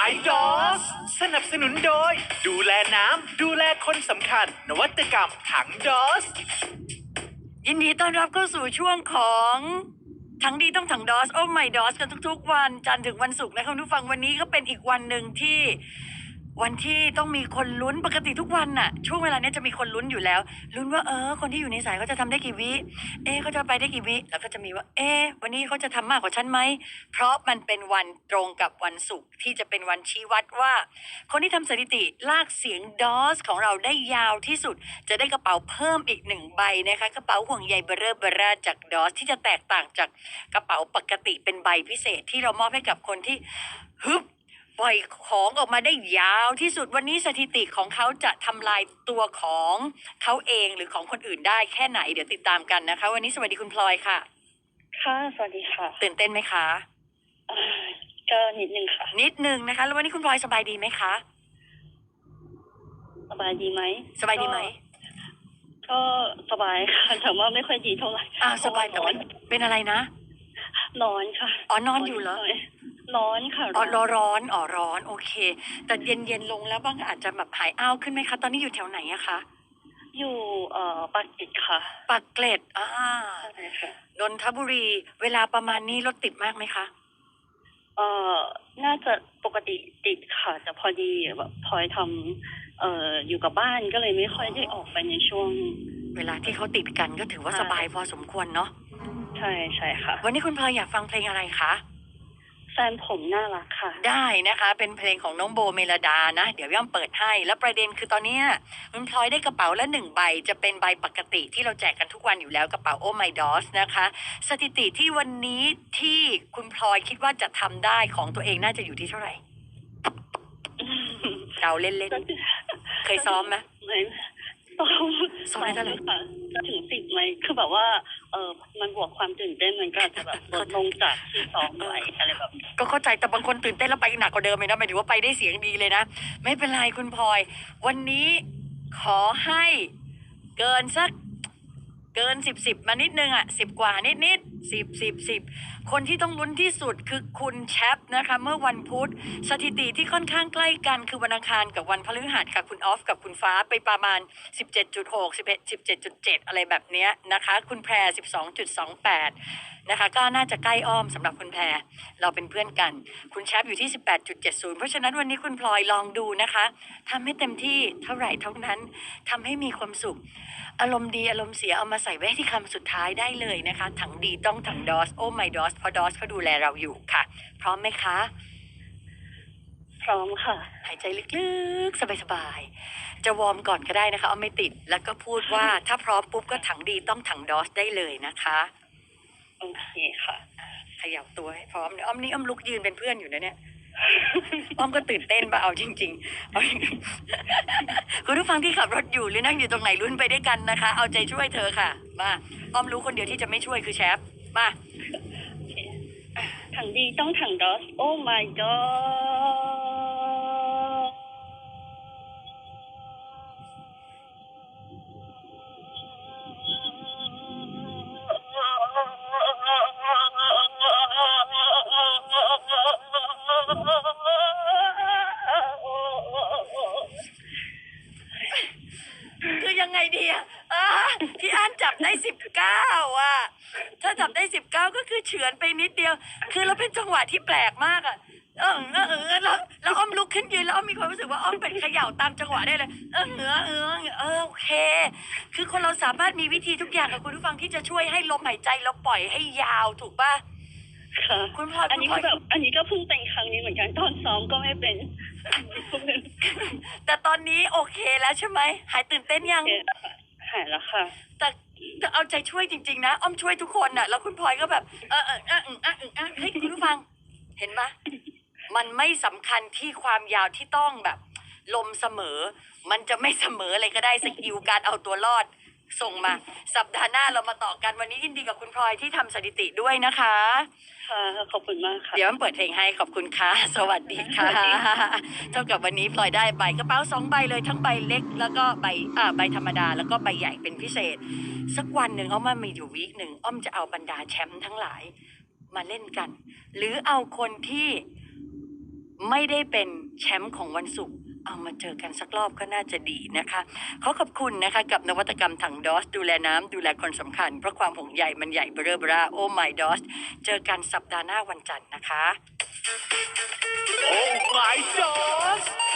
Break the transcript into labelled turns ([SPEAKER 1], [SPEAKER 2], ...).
[SPEAKER 1] My DOS สนับสนุนโดยดูแลน้ำดูแลคนสำคัญนวัตกรรมถัง DOS
[SPEAKER 2] ยินดีต้อนรับเข้าสู่ช่วงของทั้งดีต้องถังดอสโอ้ไม่ดอสกันทุกๆวันจันทร์ถึงวันศุกร์นะคะทุกฟังวันนี้ก็เป็นอีกวันหนึ่งที่วันที่ต้องมีคนลุ้นปกติทุกวันน่ะช่วงเวลานี้จะมีคนลุ้นอยู่แล้วลุ้นว่าคนที่อยู่ในสายเขาจะทำได้กี่วิเขาจะไปได้กี่วิแล้วก็จะมีว่าวันนี้เขาจะทำมากกว่าฉันไหมเพราะมันเป็นวันตรงกับวันศุกร์ที่จะเป็นวันชี้วัดว่าคนที่ทำสถิติลากเสียงดอสของเราได้ยาวที่สุดจะได้กระเป๋าเพิ่มอีก1ใบนะคะกระเป๋าห่วงใยเบอร์เร่จากดอสที่จะแตกต่างจากกระเป๋าปกติเป็นใบพิเศษที่เรามอบให้กับคนที่ฮึบปล่อยของออกมาได้ยาวที่สุดวันนี้สถิติของเขาจะทำลายตัวของเขาเองหรือของคนอื่นได้แค่ไหนเดี๋ยวติดตามกันนะคะวันนี้สวัสดีคุณพลอยค่ะ
[SPEAKER 3] ค่ะสวัสดีค่ะ
[SPEAKER 2] ตื่นเต้นไหมคะ
[SPEAKER 3] ก็นิดนึงค่ะ
[SPEAKER 2] นิดนึงนะคะแล้ววันนี้คุณพลอยสบายดีไหมคะ
[SPEAKER 3] สบายดีไหม
[SPEAKER 2] สบายดีไหม
[SPEAKER 3] ก็สบายค่ะแต่ว่าไม่ค่อยดีเท่าไหร่
[SPEAKER 2] สบายแต่ว่าเป็นอะไรนะ
[SPEAKER 3] ร้อนค่ะ
[SPEAKER 2] นอนอยู่เหรอ
[SPEAKER 3] ร้อนค่ะ
[SPEAKER 2] ร้อนโอเคแต่เย็นลงแล้วบ้างอาจจะแบบหายอ้าวขึ้นไหมคะตอนนี้อยู่แถวไหนอะคะ
[SPEAKER 3] อยู่ปากเกร็ดค่ะ
[SPEAKER 2] ปากเกร็ด
[SPEAKER 3] ใช่ค่ะ
[SPEAKER 2] นนทบุรีเวลาประมาณนี้รถติดมากไหมคะ
[SPEAKER 3] น่าจะปกติติดค่ะแต่พอดีแบบพลอยทำอยู่กับบ้านก็เลยไม่ค่อยได้ออกไปในช่วง
[SPEAKER 2] เวลาที่เขาติดกันก็ถือว่าสบายพอสมควรเนาะ
[SPEAKER 3] ใช่ค่ะ
[SPEAKER 2] วันนี้คุณพลอยอยากฟังเพลงอะไรคะ
[SPEAKER 3] แฟนผมน่ารักค่ะ
[SPEAKER 2] ได้นะคะเป็นเพลงของน้องโบเมลดานะเดี๋ยวย่อมเปิดให้แล้วประเด็นคือตอนนี้คุณพลอยได้กระเป๋าละ1ใบจะเป็นใบปกติที่เราแจกกันทุกวันอยู่แล้วกระเป๋าโอ้ไมดอสนะคะสถิติที่วันนี้ที่คุณพลอยคิดว่าจะทำได้ของตัวเองน่าจะอยู่ที่เท่าไหร่เราเล่นเคยซ้อมไหมซ้อมได้เท่าไหร่
[SPEAKER 3] จะถึง10ไหมคือแบบว่ามันบวกความตื่นเต้นมันก็จะแบบลดลงจากที่ซ้อมไปอะไรแบบ
[SPEAKER 2] ก็เข้าใจแต่บางคนตื่นเต้นแล้วไปหนักกว่าเดิมเลยนะหมายถึงว่าไปได้เสียงดีเลยนะไม่เป็นไรคุณพลอยวันนี้ขอให้เกินสักเกิน10มานิดนึง10กว่านิด10คนที่ต้องลุ้นที่สุดคือคุณแชปนะคะเมื่อวันพุธสถิติที่ค่อนข้างใกล้กันคือวันอังคารกับวันพฤหัสค่ะคุณออฟกับคุณฟ้าไปประมาณ 17.6 17.7 อะไรแบบเนี้ยนะคะคุณแพร 12.28 นะคะก็น่าจะใกล้อ้อมสำหรับคุณแพรเราเป็นเพื่อนกันคุณแชปอยู่ที่ 18.70 เพราะฉะนั้นวันนี้คุณพลอยลองดูนะคะทำให้เต็มที่เท่าไหร่เท่านั้นทำให้มีความสุขอารมณ์ดีอารมณ์เสียเอามาใส่ไว้ที่คำสุดท้ายได้เลยนะคะถังดีต้องถังดอสโอ้ไมดอสเพราะดอสเขาดูแลเราอยู่ค่ะพร้อมไหมคะ
[SPEAKER 3] พร้อมค่ะ
[SPEAKER 2] หายใจลึกๆสบายๆจะวอร์มก่อนก็ได้นะคะเอาไม่ติดแล้วก็พูดว่าถ้าพร้อมปุ๊บก็ถังดีต้องถังดอสได้เลยนะคะ
[SPEAKER 3] โอเคค่ะ
[SPEAKER 2] ขยับตัวให้พร้อมอ้อมนี่อ้อมลุกยืนเป็นเพื่อนอยู่นะเนี่ยอ้อมก็ตื่นเต้นป่ะเอาจริงๆคุณผู้ฟังที่ขับรถอยู่หรือนั่งอยู่ตรงไหนลุ้นไปด้วยกันนะคะเอาใจช่วยเธอค่ะมาอ้อมรู้คนเดียวที่จะไม่ช่วยคือแชปมา
[SPEAKER 3] ถังดีต้องถังดอสโอ้ my god
[SPEAKER 2] คือยังไงดีพี่อันจับได้19ถ้าจับได้19ก็คือเฉือนไปนิดเดียวคือเราเป็นจังหวะที่แปลกมากแล้วอ้อมลุกขึ้นยืนแล้วอ้อมมีความรู้สึกว่าอ้อมเป็นเขย่าตามจังหวะได้เลยโอเคคือคนเราสามารถมีวิธีทุกอย่างกับคุณผู้ฟังที่จะช่วยให้ลมหายใจเราปล่อยให้ยาวถูกป่ะ
[SPEAKER 3] ค่ะคุณพลอยอันนี้ก็แบบอันนี้ก็เพิ่งเป็นครั้งนี้เหมือนกันตอนซ้อมก็ไม่เป็น
[SPEAKER 2] แต่ตอนนี้โอเคแล้วใช่ไหมหายตื่นเต้นยัง
[SPEAKER 3] หายแล้วค่ะ
[SPEAKER 2] แต่เอาใจช่วยจริงๆนะอ้อมช่วยทุกคนน่ะแล้วคุณพลอยก็แบบเฮ้ยคุณผู้ฟังเห็นปะมันไม่สำคัญที่ความยาวที่ต้องแบบลมเสมอมันจะไม่เสมออะไรก็ได้สกิลการเอาตัวรอดส่งมาสัปดาห์หน้าเรามาต่อกันวันนี้ยินดีกับคุณพลอยที่ทำสถิติด้วยนะคะ
[SPEAKER 3] ค่ะขอบคุณมากค่ะ
[SPEAKER 2] เดี๋ยวมันเปิดเพลงให้ขอบคุณค่ะสวัสดีค่ะเท่ากับวันนี้พลอยได้ใบกระเป๋า2ใบเลยทั้งใบเล็กแล้วก็ใบธรรมดาแล้วก็ใบใหญ่เป็นพิเศษสักวันหนึ่งอ้อมมีอยู่วีคหนึ่งอ้อมจะเอาบรรดาแชมป์ทั้งหลายมาเล่นกันหรือเอาคนที่ไม่ได้เป็นแชมป์ของวันศุกร์เอามาเจอกันสักรอบก็น่าจะดีนะคะขอขอบคุณนะคะกับนวัตกรรมถังดอสดูแลน้ำดูแลคนสำคัญเพราะความห่วงใยมันใหญ่เบ้อเร่อโอ้ไม่ดอสเจอกันสัปดาห์หน้าวันจันทร์นะคะ
[SPEAKER 1] Oh my gosh